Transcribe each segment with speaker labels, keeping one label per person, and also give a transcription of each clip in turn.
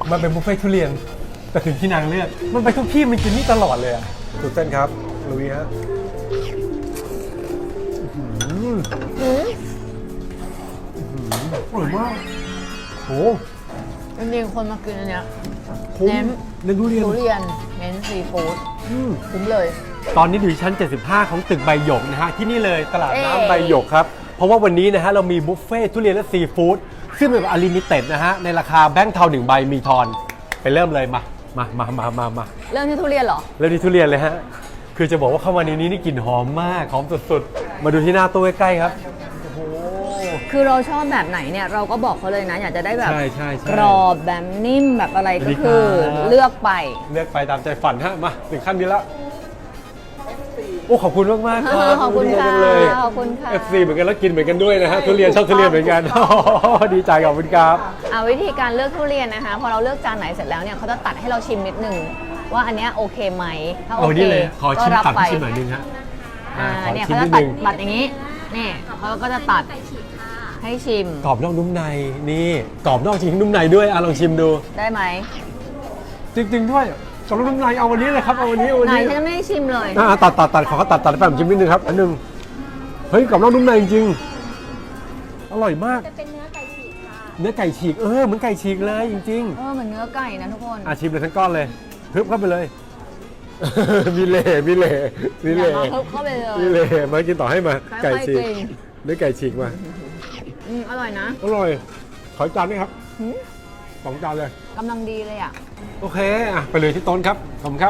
Speaker 1: มันเป็นบุฟเฟ่ทุเรียนแต่ถึงที่นางเลือกมันไปทุกที่มันกินนี่ตลอดเลยอ่ะสุดเส้นครับลุยฮะอร่อยมากโห
Speaker 2: จริงๆคนมากินอันเนี้ย
Speaker 1: คุ้ม
Speaker 2: เน้น
Speaker 1: เน้นทุเรียน
Speaker 2: ทุเรียนเน้นซีฟู้ดคุ้มเลย
Speaker 1: ตอนนี้อยู่ชั้น 75 ของตึกใบหยกนะฮะที่นี่เลยตลาด
Speaker 2: เอ้
Speaker 1: น้ำใบหยกครับเพราะว่าวันนี้นะฮะเรามีบุฟเฟ่ทุเรียนและซีฟู้ดซึ่งเป็นแบบอลิมิเต็ดนะฮะในราคาแบงค์เทา1 ใบมีทอนไปเริ่มเลยมา
Speaker 2: เริ่มที่ทุเรียนเหรอ
Speaker 1: เริ่มที่ทุเรียนเลยฮะคือจะบอกว่าเข้ามาในนี้นี่กลิ่นหอมมากหอมสุดๆมาดูที่หน้าตู้ใกล้ๆครับโอ้โห
Speaker 2: คือเราชอบแบบไหนเนี่ยเราก็บอกเขาเลยนะ อยากจะได้แบบ
Speaker 1: ใช่
Speaker 2: กรอบแบบนิ่มแบบอะไร
Speaker 1: สวัส
Speaker 2: ก็
Speaker 1: ดี
Speaker 2: คือ
Speaker 1: ครับ
Speaker 2: เลือกไป
Speaker 1: เลือกไปตามใจฝันฮะมาถึงขั้นนี้แล้วโอ้ขอบคุณมากๆครับ
Speaker 2: ขอบคุณค่ะ
Speaker 1: จังเลย
Speaker 2: ขอบคุณค่ะ
Speaker 1: FC เหมือนกันแล้วกินเหมือนกันด้วยนะฮะทุเรียนชอบทุเรียนเหมือนกันดีใจขอบคุณครับ
Speaker 2: วิธีการเลือกทุเรียนนะคะพอเราเลือกจานไหนเสร็จแล้วเนี่ยเขาจะตัดให้เราชิมนิดนึงว่าอันเนี้ยโอเคไหมถ้าโอ
Speaker 1: เอา
Speaker 2: เค
Speaker 1: นี่เลยขอ
Speaker 2: ก็
Speaker 1: ชิม
Speaker 2: รับ
Speaker 1: ตัด
Speaker 2: ไป
Speaker 1: ให้ชิมหน่อยนึงฮะขอ
Speaker 2: เนี่ย
Speaker 1: ชิม
Speaker 2: เขา
Speaker 1: นิ
Speaker 2: จะ
Speaker 1: ด
Speaker 2: ตัด
Speaker 1: นึง
Speaker 2: บัตรอย่างนี้นี่เขาก็จะตัดให้ชิม
Speaker 1: กรอบนอกนุ่มในนี่กรอบนอกจริงนุ่มในด้วยลองชิมดู
Speaker 2: ได้ไหม
Speaker 1: จริงๆด้วยกรอบนอกนุ่มในเอาวันนี้เลยครับเอาวันนี้เอาวัน
Speaker 2: ไหน
Speaker 1: นี้
Speaker 2: ฉันไม่ได้ชิมเลย
Speaker 1: ตัดขอเขาตัดไปผมชิมนิดนึงครับอันนึงเฮ้ยกรอบนอกนุ่มในจริงๆอร่อยมาก
Speaker 3: จะเป็นเนื้อไก่ฉีกค่ะ
Speaker 1: เนื้อไก่ฉีกเหมือนไก่ฉีกเลยจริง
Speaker 2: เหมือนเนื้อไก่นะทุกคน
Speaker 1: ๆชิมเลยทั้งก้อนเลยฮึบเข้าไปเลย มีเล่
Speaker 2: อย่ามาฮึบเข้าไปเลย
Speaker 1: มีเล่มากินต่อให้มา
Speaker 2: ค่อยๆ
Speaker 1: ไก่ฉีก
Speaker 2: กิน
Speaker 1: เนื้อไก่ฉีกมา
Speaker 2: อร่อยนะ
Speaker 1: อร่อยขอจานนี้ครับ2 จานเลย
Speaker 2: กำลังดีเลยอ่ะ
Speaker 1: โอเคไปเลยที่โต๊ะครับขอบคุณครับ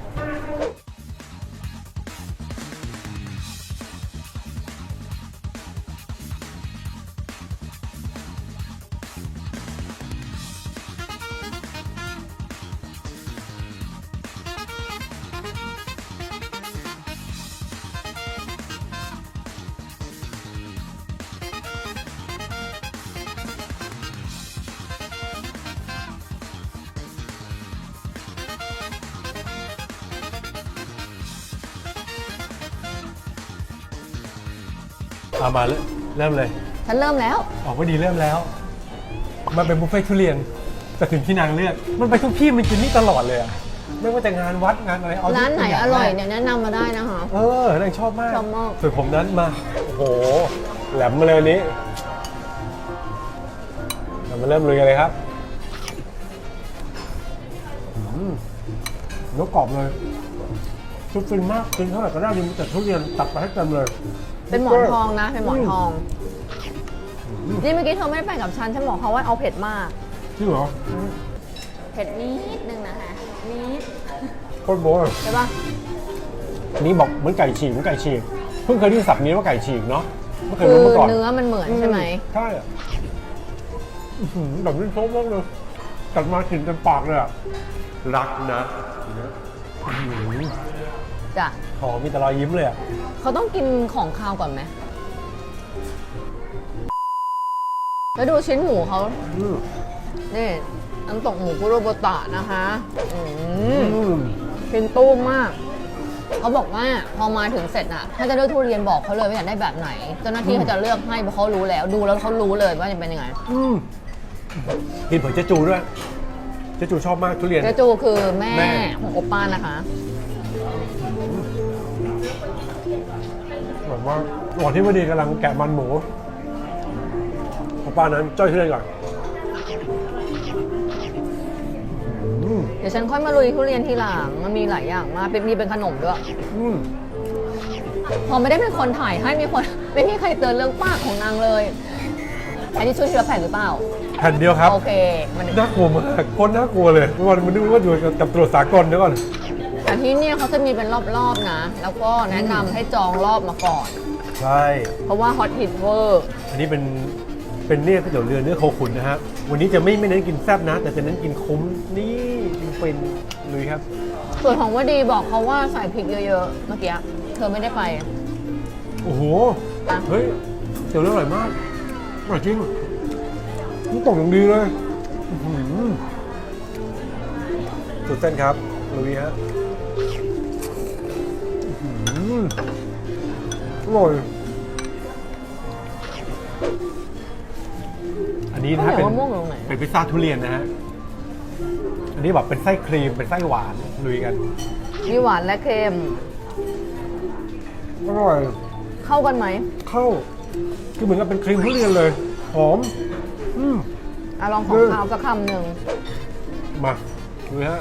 Speaker 1: มาเริ่มเลย
Speaker 2: ฉันเริ่มแล้ว
Speaker 1: ออกว่าดีเริ่มแล้ว มันเป็นบุฟเฟ่ทุเรียนแต่ถึงที่นางเลือกมันไปทุกที่มันกินนี่ตลอดเลยอะไม่ว่าจะงานวัดงานอะไรเอา
Speaker 2: ร้านไหน
Speaker 1: ทุก
Speaker 2: อร่อยเนี่ยแนะนำมาได้นะคะ
Speaker 1: นางชอบมาก
Speaker 2: ชอบมาก
Speaker 1: ส่วนผมนั้นมาโอ้โหแหลมมาเลยวันนี้เรามาเริ่มลุยกันเลยครับเนื้อกรอบเลยชุดฟินมากกินเท่าไหร่ก็ได้ดีมีแต่ทุเรียนตัดไปให้เต็มเลย
Speaker 2: เป็นหมอนทองนะ เป็นหมอนทอง นี่เมื่อกี้เธอไม่ได้ไปกับฉันฉันบอกเขาว่าเอาเผ็ดมาก
Speaker 1: จริงเหรอ
Speaker 2: เผ็ดนิดนึงนะคะนิด
Speaker 1: โคตรโบ้เลย
Speaker 2: ใช่ปะ
Speaker 1: อันนี้บอกเหมือนไก่ฉีกเพิ่งเคยได้ยินศัพท์นี้ว่าไก่ฉีกเนาะไม่เคย
Speaker 2: คือ
Speaker 1: รู้มาก่อน
Speaker 2: เนื้อมันเหมือนใช่ไหม
Speaker 1: ใช่อะแบบนี้ชอบมากเลยกัดมากินเต็มปากเลยอะรักนะ
Speaker 2: จ้ะ
Speaker 1: หอมมีแต่รอยยิ้มเลยอะ
Speaker 2: เขาต้องกินของคาวก่อนไหมแล้วดูชิ้นหมูเขา
Speaker 1: อืม
Speaker 2: นี่น้ำตกหมูคุโรโบตะนะคะ
Speaker 1: อ
Speaker 2: อื
Speaker 1: ืม
Speaker 2: กินตู้มมาก เขาบอกว่าพอมาถึงเสร็จน่ะ ถ้าจะเลือกทุเรียนบอกเขาเลยว่าอยากได้แบบไหน เจ้าหน้าที่เขาจะเลือกให้เพราะเขารู้แล้ว ดูแล้วเขารู้เลยว่าจะเป็นยังไง
Speaker 1: กินเผือกเจจูด้วยเจจูชอบมากทุเรียน
Speaker 2: เจจูคือแม่
Speaker 1: แม่
Speaker 2: ของโอป้านะคะ
Speaker 1: แบบว่าก่อนที่วดีกำลังแกะมันหมูของป้านั้นจ้อยทุเรียนก่อน
Speaker 2: เดี๋ยวฉันค่อยมาลุยทุเรียนทีหลัง มันมีหลายอย่างมากมีเป็นขนมด้วย
Speaker 1: อืม
Speaker 2: พอไม่ได้เป็นคนถ่ายให้มีคนไม่มีใครเตือนเรื่องปากของนางเลย อันนี้ช่วยทีละแผ่นหรือเปล่า
Speaker 1: แผ่นเดียวครับ
Speaker 2: โอเค มัน
Speaker 1: น่ากลัวมากคนน่ากลัวเลยมันนึกว่าอยู่กับตรวจสากลเดี๋ยวก่อน
Speaker 2: แต่ที่เนี่ยเขาจะมีเป็นรอบๆนะ แล้วก็แนะนำให้จองรอบมาก่อน
Speaker 1: ใช่
Speaker 2: เพราะว่าฮอตฮิตเวอร์
Speaker 1: อันนี้เป็นเนี่ยก๋วยเตี๋ยวเรือเนื้อโคขุนนะฮะวันนี้จะไม่เน้นกินแซ่บนะ แต่จะเน้นกินคุ้มนี่กินเป็นลุยครับ
Speaker 2: ส่วนของวดีบอกเขาว่าใส่พริกเยอะๆ เมื่อกี้เธอไม่ได้ไป
Speaker 1: โอ้โห
Speaker 2: อ่ะ
Speaker 1: เฮ้ยเตี๋ยวเรืออร่อยมากอร่อยจริงนี่ตกอย่างดีเลยอื้อหือสุดเส้นครับลุยฮะอร่อยอันนี้นะฮะ
Speaker 2: ข้าวเหนียวมะม่วงอยู่ตรงไหน
Speaker 1: เป็นพิซซ่าทุเรียนนะฮะอันนี้แบบเป็นไส้ครีมเป็นไส้หวานลุยกัน
Speaker 2: มีหวานและเค็ม
Speaker 1: อร่อย
Speaker 2: เข้ากันไหม
Speaker 1: เข้าคือเหมือนกับเป็นครีมทุเรียนเลยหอม
Speaker 2: ลองของข้าวสักคำหนึ่ง
Speaker 1: มาดูฮะ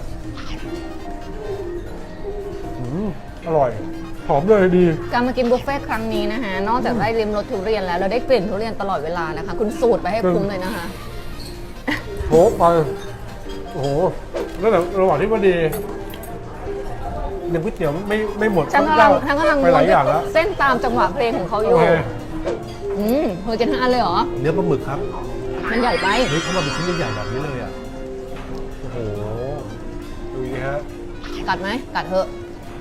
Speaker 1: อร่อยหอมเลยดี
Speaker 2: การมากินบุฟเฟ่ต์ครั้งนี้นะคะนอกจากได้ริมรสทุเรียนแล้วเราได้กลิ่นทุเรียนตลอดเวลานะคะ คุณสูตรไปให้คุ้มเลยนะคะ
Speaker 1: โหไปโอ้โหแล้วแต่ระหว่างที่พอดีเนี่ยก๋วยเตี๋ยวไม่หมด
Speaker 2: ฉันกำลัง
Speaker 1: ไปหลายอย่างแล้ว
Speaker 2: เส้นตามจังหวะเพลงของเขาอ
Speaker 1: โอยู่ เค
Speaker 2: เธอกินทั้งอันเลยเหรอ
Speaker 1: เนื้อปลาหมึกครับ
Speaker 2: มันใหญ่ไป
Speaker 1: เฮ้ยเขามาเป็นชิ้นใหญ่ๆแบบนี้เลยอ่ะโอ้โหดูดิฮะ
Speaker 2: กัดไหมกัดเถอะ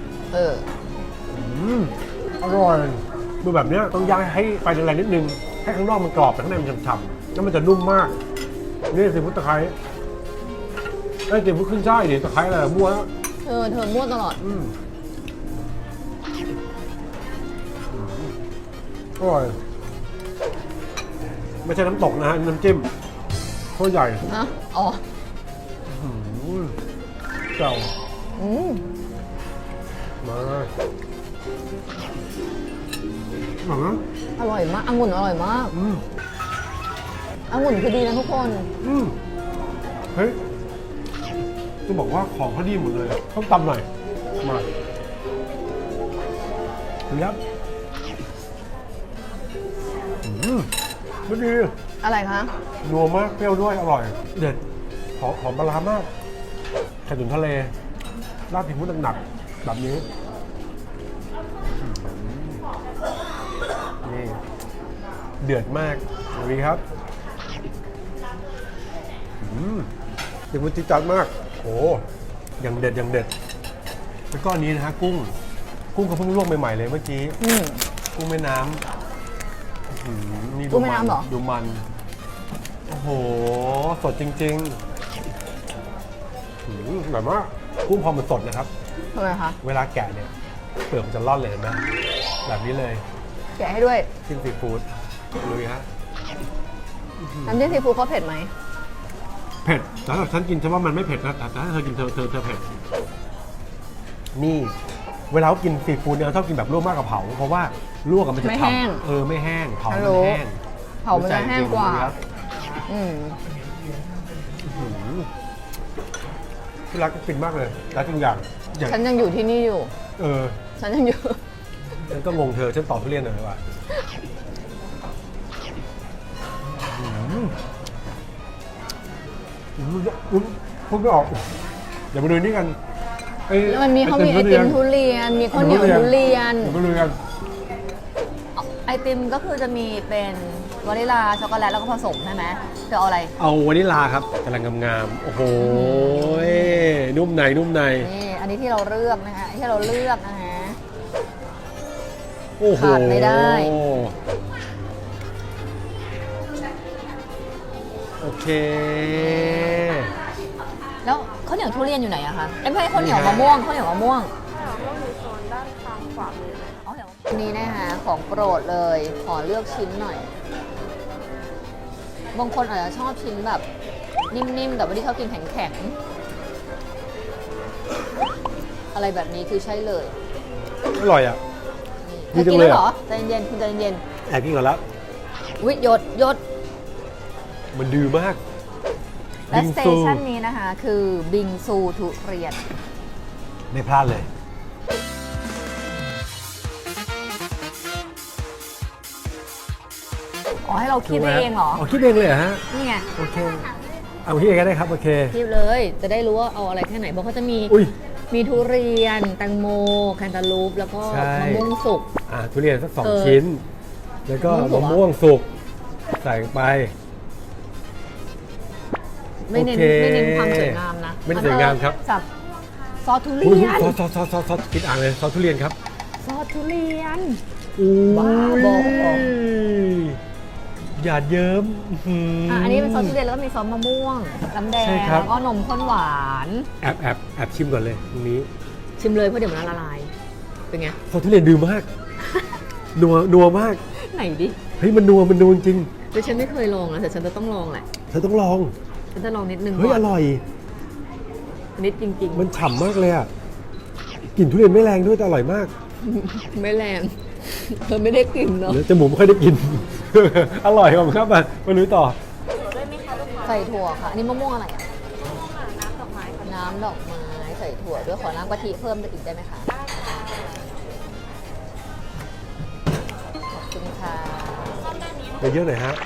Speaker 1: อร่อยดูแบบเนี้ยต้องย่างให้ไฟแรงๆนิดนึงให้ข้างนอกมันกรอบแต่ข้างในมันฉ่ำๆแล้วมันจะนุ่มมากนี่ซีฟู้ดตะไคร้ไอ้ซีฟู้ดขึ้นช่ายดิตะไคร้อะไรมั่ว
Speaker 2: เธอมั่วตลอด
Speaker 1: อร่อยไม่ใช่น้ำตกนะฮะน้ำจิ้มโคตรใหญ่
Speaker 2: นะอ๋อ
Speaker 1: เก่า
Speaker 2: อืม
Speaker 1: มาอร่อยนะ
Speaker 2: อร่อยมากองุ่นอร่อยมาก องุ่นคือดีนะทุกคน
Speaker 1: เฮ้ยจะบอกว่าของเขาดีหมดเลยต้องตำหน่อยมาดูครับไม่ดี
Speaker 2: อะไรคะ
Speaker 1: นัวมากเปรี้ยวด้วยอร่อย เด็ดหอมปลาร้ามากไข่ตุ๋นทะเลราดพริกมุ้งหนักๆแบบนี้นี่เดือดมากดูดีครับถึงมันจิ๊ดจัดมากโอ้ยังเด็ดยังเด็ดแล้วก็อันนี้นะฮะกุ้งเขาเพิ่งลวกใหม่ๆเลยเมื่อกี้กุ้งแม่น้ำนี่
Speaker 2: กุ้งแม่น้ำเหรอ
Speaker 1: ดูมันโอ้โหสดจริงๆแบบว่ากุ้งพอมันสดนะครับ
Speaker 2: ทำไมคะ
Speaker 1: เวลาแกะเนี่ยเปลือกมันจะร่อนเลยเห็นไหมแบบนี้เลย
Speaker 2: แกะให้ด้วย
Speaker 1: จิ้มซีฟู้ดลุยฮะ
Speaker 2: น้ำจิ้มซีฟู้ดเขาเผ็ดไหม
Speaker 1: เผ็ดแต่ถ้าฉันกินฉันว่ามันไม่เผ็ดนะแต่ถ้าเธอกินเธอเผ็ดนี่เวลาเขากินซีฟู้ดเนี่ยเขาชอบกินแบบลวกมากกว่าเผาเพราะว่าลวกกับมันจะ
Speaker 2: ไม่แห้ง
Speaker 1: ฉ่ำไม่แห้งเผา
Speaker 2: ฮั
Speaker 1: มั
Speaker 2: ล
Speaker 1: น
Speaker 2: โหล
Speaker 1: แห้ง
Speaker 2: เผามันจะแห้งกว่า
Speaker 1: รู้จักจริงๆที่รักกินมากเลยรักทุกอย่าง
Speaker 2: ฉันยังอยู่ที่นี่อยู่ ฉันยังอยู่
Speaker 1: ฉันก็งงเธอฉันตอบทุเรียนหน่อยว่าพูดไม่ออกเดี๋ยวมาดูนี่กัน
Speaker 2: แล้วมันมีเขามีไอติมทุเรียน มีข้าวเหนียวทุเรียน
Speaker 1: เดี๋ยวมาดูกัน
Speaker 2: ไอติมก็คือจะมีเป็นวานิลาช็อกโกแลตแล้วก็ผสมใช่ไหมเธอเอาอะไร
Speaker 1: เอาวานิลาครับกำลังงามๆโอ้โหนุ่มใน
Speaker 2: นี่อันนี้ที่เราเลือกนะคะที่เราเลือกนะคะ
Speaker 1: โอ้โห
Speaker 2: ขาดไม่ได้
Speaker 1: โอเค
Speaker 2: แล้วข้าวเหนียวทุเรียนอยู่ไหนอะคะไม่ใช่ข้าวเหนียวมะม่วงข้าวเหนียวมะม่วงอันนี้นะคะของโปรดเลยขอเลือกชิ้นหน่อยบางคนอาจจะชอบชิ้นแบบนิ่มๆแต่ว่าที่เขากินแข็งๆอะไรแบบนี้คือใช่เลย
Speaker 1: อร่อยอ่ะ
Speaker 2: นี่
Speaker 1: ดีจั
Speaker 2: กิ
Speaker 1: ง
Speaker 2: น
Speaker 1: เลย
Speaker 2: แล้ว
Speaker 1: อะ
Speaker 2: เหรอใจเย็นคุณใจเย็น
Speaker 1: แอบกินก่อนแล้ว
Speaker 2: วิหยด
Speaker 1: มันดื้อมาก
Speaker 2: และ
Speaker 1: บิง
Speaker 2: สเต
Speaker 1: ซู
Speaker 2: ชันนี้นะคะคือบิงซูทุเรียน
Speaker 1: ไม่พลาดเลย
Speaker 2: อ๋อให้เราคิดเองเหรอ
Speaker 1: อ๋อคิดเองเลยเหรอฮะ
Speaker 2: นี่ไง
Speaker 1: โอเคเอาคิดเองก็ได้ครับโอเค
Speaker 2: คิดเลยจะได้รู้ว่าเอาอะไรแค่ไหนเพราะเขาจะมี
Speaker 1: อุ้ย
Speaker 2: มีทุเรียนแตงโมแคนตาลูปแล้วก็
Speaker 1: ใช่
Speaker 2: มะม่วงสุก
Speaker 1: ทุเรียนสัก
Speaker 2: เออ
Speaker 1: 2 ชิ้น แล้วก็
Speaker 2: มะ
Speaker 1: มะ
Speaker 2: ม่
Speaker 1: ม่
Speaker 2: ว
Speaker 1: ว
Speaker 2: ง
Speaker 1: ง
Speaker 2: สุ
Speaker 1: สุ
Speaker 2: ก
Speaker 1: กใส่ไป
Speaker 2: ไม่เน้น
Speaker 1: โอเค
Speaker 2: ไม่เน้นความสวยงามนะ
Speaker 1: ไม่ได้สวยงามครับ
Speaker 2: สับซอสทุเรี
Speaker 1: อุ้ย
Speaker 2: ยน
Speaker 1: ซอสกินอ่างเลยซอสทุเรียนครับ
Speaker 2: ซอสทุเรียน
Speaker 1: อุ้
Speaker 2: บ้าบอ
Speaker 1: ยหยาดเยิ้ม
Speaker 2: อันนี้เป็นซอสทุเรียนแล้วก็มีซอสมะม่วงน้ำแดง
Speaker 1: ใช่ครับ
Speaker 2: แล้วก็นมข้นหวาน
Speaker 1: แอบชิมก่อนเลยตรงนี้
Speaker 2: ชิมเลยเพราะเดี๋ยวมันละลายเป็นไง
Speaker 1: ซอสทุเรียนดื้อมาก นัวมาก
Speaker 2: ไหนดิ
Speaker 1: เฮ้ยมันนัวจริง
Speaker 2: แต่ฉันไม่เคยลองนะแต่ฉันจะต้องลองแหละ
Speaker 1: เธอต้องลอง
Speaker 2: ฉันจะลองนิดนึง
Speaker 1: เฮ้ย
Speaker 2: ก่
Speaker 1: อน ร่อย
Speaker 2: นิดจริง
Speaker 1: มันฉ่ำมากเลยอ่ะกลิ่นทุเรียนไม่แรงด้วยแต่อร่อยมาก
Speaker 2: ๆ ไม่แรงเธอไม่ได้กลิ่นเนาะ
Speaker 1: เดี๋ยวจมูกไม่ค่อยได้กิน อร่อยขอบคุณครับมาลุยต่อ
Speaker 2: ใส่ถั่วค่ะ อันนี้มะม่วงอะไรอ่ะน้ำดอกไม้น้ำดอกไม้ใส่ถั่วด้วยขอน้ำกะทิเพิ่มอีกได้ไหมคะขอบคุณค่ะ
Speaker 1: ไปเยอะหน่อยฮะ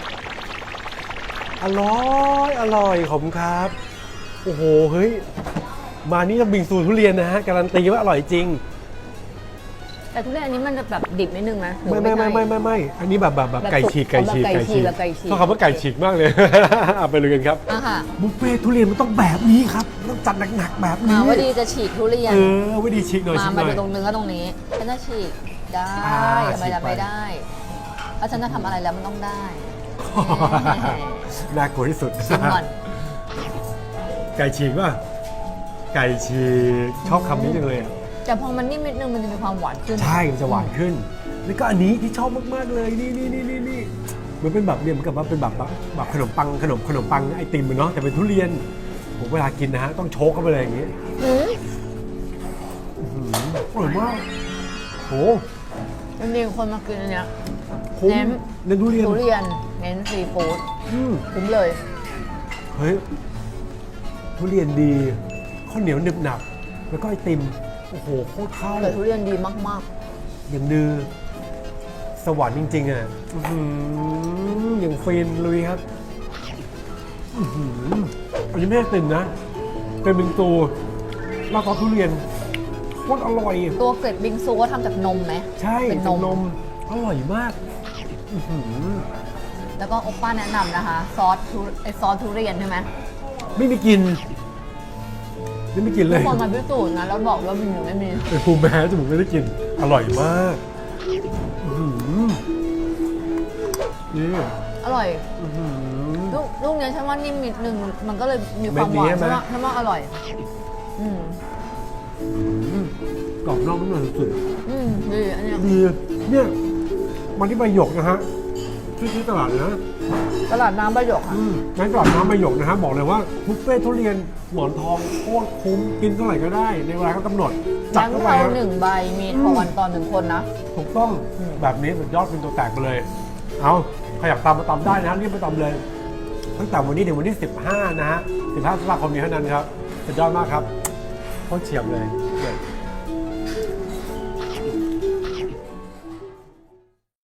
Speaker 1: อร่อยขอบคุณครับ โอ้โห เฮ้ย มานี่ต้องบิงซูทุเรียนนะฮะ การันตีว่าอร่อยจริง
Speaker 2: แต่ทุเรียนอันนี้มันจะแบบดิบนิดนึงไหมหรือ
Speaker 1: ไม่
Speaker 2: ใช่
Speaker 1: อันนี้แบบไก่ฉีก
Speaker 2: แบบไก่ฉีกแบบไก่ฉีก
Speaker 1: ชอบคำว่าไก่ฉีกมากเลย เอาไปเลยกันครับ
Speaker 2: อ่ะค่ะ
Speaker 1: บุฟเฟ่ทุเรียนมันต้องแบบนี้ครับ ต้องจัดหนักๆแบบนี้
Speaker 2: ว่าดีจะฉีกทุเรียน
Speaker 1: ว่าดีฉีกหน่อยฉีกห
Speaker 2: มา
Speaker 1: น่อ
Speaker 2: ดู
Speaker 1: ย
Speaker 2: ตรงเนื้อตรงนี้ฉันจะฉีกได้ ทำไม
Speaker 1: ฉีก
Speaker 2: จะ
Speaker 1: ไป
Speaker 2: ไม่ได้เพราะฉันจะทำอะไรแล้วมันต้องได้
Speaker 1: น่ากลัวที่สุด
Speaker 2: ชิมก่อน
Speaker 1: ไก่ฉีกป่ะ ไก่ฉีกชอบคำนี้จังเลยอะ
Speaker 2: แต่พอมันนิ่มนิดนึงมันจะมีความหวานขึ้น
Speaker 1: ใช่ มันจะหวานขึ้น แล้วก็อันนี้ที่ชอบมากๆเลย นี่มันเป็นแบบเนี่ยเหมือนกับว่าเป็นแบบขนมปังไอติมเนาะแต่เป็นทุเรียนผมเวลากินนะฮะต้องโชกเข้าไปเลยอย่างงี้
Speaker 2: อืม
Speaker 1: อร่อยมากโห
Speaker 2: จริงๆคนมากินอันเนี้ย
Speaker 1: คุ้ม
Speaker 2: เน้น
Speaker 1: เน้นทุเรียน
Speaker 2: ทุเรียนเน้นซีฟู้ด
Speaker 1: อืม
Speaker 2: คุ้มเลย
Speaker 1: เฮ้ยทุเรียนดีข้าวเหนียวหนึบหนับแล้วก็ไอติมโอ้โหโคตรเข้า
Speaker 2: แต่ทุเรียนดีมาก
Speaker 1: อย่างดือสวรรค์จริงๆอ่ะอื้อหืออย่างฟินลุยครับอื้อหืออันนี้ไม่ใช่ติ่มนะเป็นบิงซูแล้วก็ทุเรียนโคตรอร่อย
Speaker 2: ๆ ตัวเกล็ดบิงซูก็ทำจากนมไหม
Speaker 1: ใช่
Speaker 2: เป็น
Speaker 1: จาก
Speaker 2: น
Speaker 1: น
Speaker 2: ม
Speaker 1: มอร่อยมากอื้อหือ
Speaker 2: แล้วก็โอป้าแนะนำนะคะ ซอสทุเรียนใช่ไหม
Speaker 1: ไม่มีกลินไม่กินเล
Speaker 2: ทุก
Speaker 1: ย
Speaker 2: คนมาพิสูจน์นะแล้วบอกว่ามีหรือไม่มี
Speaker 1: เป็นภูมิแพ้จมูกไม่ได้กิน อร่อยมากอื้อหือนี่
Speaker 2: อร่อย
Speaker 1: อื้อหือ
Speaker 2: ลูกเนี้ยฉันว่านิ่มนิดนึงมันก็เลยมีความหวาน
Speaker 1: เม็ดนี้ใช่ไหม
Speaker 2: ฉันว่าอร่อย อืม
Speaker 1: กรอบนอกนุ่มในสุด
Speaker 2: ดีอันเนี้ย
Speaker 1: ๆดีเนี่ยมาที่ใบหยกนะฮะที่ตลาดเลยนะ
Speaker 2: ตลาดน้ำประโยคค่ะ
Speaker 1: งั้นตลาดน้ำใบหยกนะฮะบอกเลยว่าบุฟเฟ่ทุเรียนหมอนทองโคตรคุ้มกินเท่าไหร่ก็ได้ ในเวลาเขากำหนดจัด
Speaker 2: แบง
Speaker 1: เข้า
Speaker 2: ค์
Speaker 1: ไป
Speaker 2: เทา
Speaker 1: ฮะ
Speaker 2: หนึ่งใบมีทอนต่อหนึ่งคนนะ
Speaker 1: ถูกต้องแบบนี้สุดยอดเป็นตัวแตกไปเลย เอาใครอยากตำมาตำได้นะฮะรีบไปตำเลย ตั้งแต่วันนี้ถึงวันที่ 15 นะฮะ 15 ตุลาคมนี้เท่านั้นครับสุดยอดมากครับโคตรเฉียบเลย